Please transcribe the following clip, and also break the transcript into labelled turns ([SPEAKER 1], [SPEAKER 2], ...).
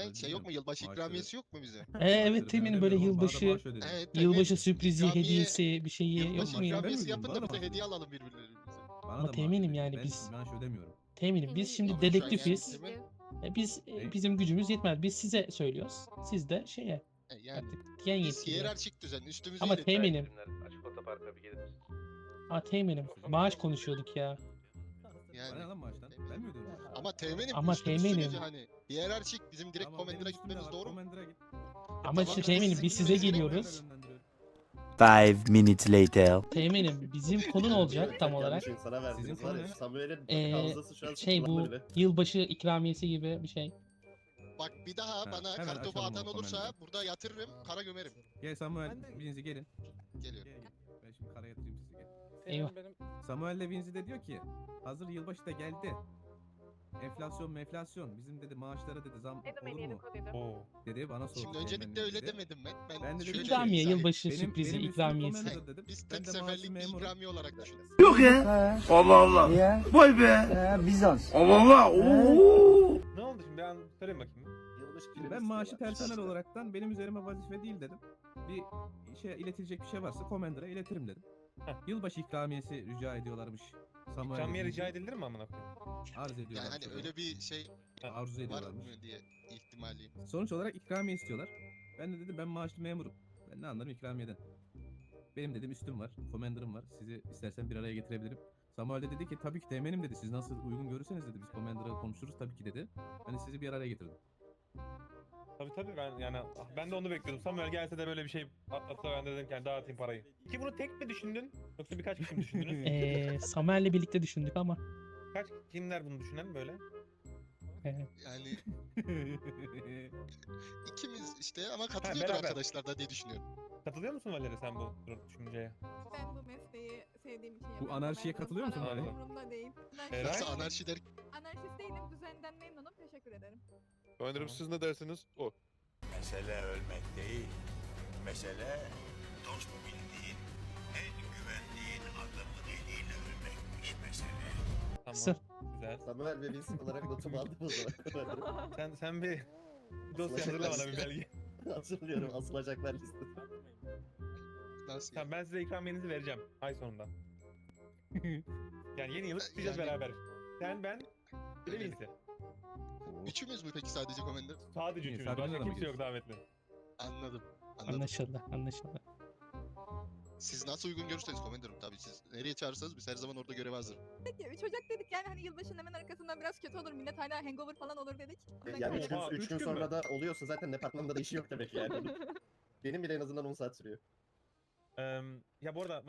[SPEAKER 1] şey yok mu? Yılbaşı ikramiyesi yok mu bize?
[SPEAKER 2] Evet Teğmen'in böyle yılbaşı
[SPEAKER 1] Evet,
[SPEAKER 2] yılbaşı
[SPEAKER 1] Teğmen,
[SPEAKER 2] sürprizi,
[SPEAKER 1] ikramiye-
[SPEAKER 2] hediyesi bir şeyi yok
[SPEAKER 1] Yılbaşı
[SPEAKER 2] mu ya?
[SPEAKER 1] ikramiyesi yapın
[SPEAKER 3] Bana
[SPEAKER 1] da
[SPEAKER 3] da
[SPEAKER 1] biz de
[SPEAKER 3] maaş
[SPEAKER 1] hediye
[SPEAKER 3] ödüyor.
[SPEAKER 1] alalım birbirlerimize.
[SPEAKER 3] Bana
[SPEAKER 2] Ama
[SPEAKER 3] da
[SPEAKER 2] teğmenim
[SPEAKER 3] maaş
[SPEAKER 2] yani
[SPEAKER 3] ödüyor.
[SPEAKER 2] biz-
[SPEAKER 3] Ben maaş ödemiyorum.
[SPEAKER 2] Teğmenim biz şimdi
[SPEAKER 1] Ama şu an yani
[SPEAKER 2] dedektifiz.
[SPEAKER 1] Teğmen-
[SPEAKER 2] Biz
[SPEAKER 3] Ne?
[SPEAKER 2] bizim gücümüz yetmez. Biz size söylüyoruz. Siz de şeye
[SPEAKER 1] Yani
[SPEAKER 2] artık diyen
[SPEAKER 1] biz
[SPEAKER 2] yetkiliye.
[SPEAKER 1] hiyerarşik düzen üstümüze
[SPEAKER 2] Ama
[SPEAKER 1] iletişim.
[SPEAKER 2] teğmenim,
[SPEAKER 4] Açık otoparka bir gelir misin?
[SPEAKER 2] teğmenim maaş konuşuyorduk ya.
[SPEAKER 1] Yani.
[SPEAKER 3] Bana lan maaştan. Ben mi ödüyorum?
[SPEAKER 1] Ama teğmenim
[SPEAKER 2] Ama
[SPEAKER 1] üstümüzsünüz
[SPEAKER 2] teğmenim.
[SPEAKER 1] yani. Hiyerarşik bizim direkt
[SPEAKER 3] Tamam, benim
[SPEAKER 1] Commander'a
[SPEAKER 3] üstümde
[SPEAKER 1] gitmemiz
[SPEAKER 3] var,
[SPEAKER 1] doğru mu?
[SPEAKER 3] Commander'a git.
[SPEAKER 2] Ama
[SPEAKER 1] tamam
[SPEAKER 2] işte
[SPEAKER 1] işte
[SPEAKER 2] teğmenim
[SPEAKER 1] sizin
[SPEAKER 2] biz size
[SPEAKER 1] gibi
[SPEAKER 2] geliyoruz.
[SPEAKER 5] 5 minutes later.
[SPEAKER 2] Teğmenim bizim konu ne olacak tam olarak?
[SPEAKER 6] Sana verdiniz
[SPEAKER 3] Sizin
[SPEAKER 6] var
[SPEAKER 3] konu
[SPEAKER 6] ya.
[SPEAKER 3] ne?
[SPEAKER 6] Samuel'in havzası şu an
[SPEAKER 2] Şey bu
[SPEAKER 6] sıkılan böyle.
[SPEAKER 2] yılbaşı ikramiyesi gibi bir şey.
[SPEAKER 1] Bak bir daha
[SPEAKER 3] Ha,
[SPEAKER 1] bana
[SPEAKER 3] hemen
[SPEAKER 1] kartopu
[SPEAKER 3] açalım
[SPEAKER 1] atan
[SPEAKER 3] o
[SPEAKER 1] olursa
[SPEAKER 3] Commander'ı.
[SPEAKER 1] burada yatırırım, kara gömerim.
[SPEAKER 3] Gel Samuel, Vinci gelin.
[SPEAKER 1] Geliyorum.
[SPEAKER 3] Gel. Ben şimdi kara yatırayım sizi gel.
[SPEAKER 2] Eyvah.
[SPEAKER 3] Samuel Vinci de diyor ki hazır yılbaşı da geldi. Enflasyon bizim dedi maaşlara dedi zam olur mu? Dedi bana sordu.
[SPEAKER 1] Şimdi öncelikle
[SPEAKER 3] Teğmen
[SPEAKER 1] öyle
[SPEAKER 3] dedi.
[SPEAKER 1] demedim ben.
[SPEAKER 3] Ben de
[SPEAKER 1] şöyle
[SPEAKER 3] dedim ki-
[SPEAKER 2] İkramiye,
[SPEAKER 1] diyeyim,
[SPEAKER 2] yılbaşı
[SPEAKER 3] Benim-
[SPEAKER 2] sürprizi,
[SPEAKER 3] benim üstüm
[SPEAKER 2] ikramiyesi.
[SPEAKER 3] Commander dedim.
[SPEAKER 1] Biz
[SPEAKER 3] Ben
[SPEAKER 1] tek
[SPEAKER 3] de maaşlı
[SPEAKER 1] seferlik bir
[SPEAKER 3] memurum.
[SPEAKER 1] ikramiye olarak düşünün.
[SPEAKER 5] Yok ya. Allah Allah. Vay be.
[SPEAKER 7] Bizans.
[SPEAKER 5] Allah Allah. Oo.
[SPEAKER 4] Ne oldu şimdi ben söyleyeyim bakayım.
[SPEAKER 3] Şimdi ben maaşı personel olaraktan benim üzerime vazife değil dedim. Bir şey iletilecek bir şey varsa Commander'a iletirim dedim. Yılbaşı ikramiyesi rica ediyorlarmış. Samuel
[SPEAKER 4] İkramiye
[SPEAKER 3] Vinci.
[SPEAKER 4] rica edilir mi amına koyayım?
[SPEAKER 3] Arz ediyorlar.
[SPEAKER 1] Yani hani öyle bir şey
[SPEAKER 3] arzu
[SPEAKER 1] var
[SPEAKER 3] ediyorlarmış.
[SPEAKER 1] mı diye ihtimaliyim.
[SPEAKER 3] Sonuç olarak ikramiye istiyorlar. Ben de dedim ben maaşlı memurum. Ben ne anlarım ikramiyeden. Benim dedim üstüm var, commander'ım var. Sizi istersen bir araya getirebilirim. Samuel de dedi ki tabii ki teğmenim dedi. Siz nasıl uygun görürseniz dedi. Biz commander'la konuşuruz tabii ki dedi. Hani sizi bir araya getirdim.
[SPEAKER 4] Tabii ben yani ben de onu bekliyordum. Samuel gelse de böyle bir şey atlatsa ben de dedim ki yani dağıtayım parayı. Ki bunu tek mi düşündün? Yoksa birkaç kişi mi düşündünüz?
[SPEAKER 2] Samuel'le birlikte düşündük ama.
[SPEAKER 4] Kimler bunu düşünen böyle?
[SPEAKER 1] Yani ikimiz işte ama katılıyordur
[SPEAKER 4] beraber.
[SPEAKER 1] arkadaşlar da diye düşünüyorum.
[SPEAKER 4] Katılıyor musun Valeri sen bu düşünceye?
[SPEAKER 8] Ben bu mesleği sevdiğim için
[SPEAKER 3] Bu
[SPEAKER 8] yapıyorum.
[SPEAKER 3] anarşiye
[SPEAKER 8] Memnunum.
[SPEAKER 3] katılıyor musun
[SPEAKER 8] Para
[SPEAKER 4] Vali?
[SPEAKER 8] umurumda değil.
[SPEAKER 4] Eray?
[SPEAKER 1] Nasıl anarşi der
[SPEAKER 8] Anarşist değilim. Düzenden memnunum. Teşekkür ederim.
[SPEAKER 9] Önerim siz ne dersiniz? O.
[SPEAKER 10] Mesele ölmek değil. Mesele dost bildiğin, en güvendiğin adamın eliyle ölmekmiş mesele.
[SPEAKER 4] Tamam.
[SPEAKER 2] Sır.
[SPEAKER 4] Güzel.
[SPEAKER 6] Samuel ve Vince olarak notumu aldım o zaman.
[SPEAKER 4] Sen bir dosya hazırla bana bir belge.
[SPEAKER 6] Hatırlıyorum asılacaklar listesi.
[SPEAKER 1] nasıl?
[SPEAKER 4] Tamam ben size ikramiyenizi vereceğim ay sonunda. Yani yeni yılı kutlayacağız
[SPEAKER 1] Yani-
[SPEAKER 4] beraber. Sen ben bir de
[SPEAKER 1] Evet.
[SPEAKER 4] Vinci.
[SPEAKER 1] Üçümüz mü peki sadece Commander?
[SPEAKER 4] Sadece
[SPEAKER 3] İyi,
[SPEAKER 4] üçümüz.
[SPEAKER 3] Sabri'yle
[SPEAKER 4] Başka
[SPEAKER 3] de mi
[SPEAKER 4] kimse yok
[SPEAKER 3] gidiyorsun?
[SPEAKER 4] davetli.
[SPEAKER 1] Anladım.
[SPEAKER 2] Anlaşıldı.
[SPEAKER 1] Siz nasıl uygun görürseniz Commander'ım tabii siz nereye çağırırsanız biz her zaman orada göreve hazırım.
[SPEAKER 8] Peki 3 Ocak dedik yani hani yılbaşının hemen arkasından biraz kötü olur. Millet hala hangover falan olur dedik.
[SPEAKER 6] Yani
[SPEAKER 4] Oha,
[SPEAKER 6] 3
[SPEAKER 4] üç
[SPEAKER 6] gün
[SPEAKER 4] gün
[SPEAKER 6] sonra
[SPEAKER 4] mü?
[SPEAKER 6] da oluyorsa zaten departmanda da işi yok demek yani. Benim bile en azından 10 saat sürüyor.
[SPEAKER 4] Ya bu arada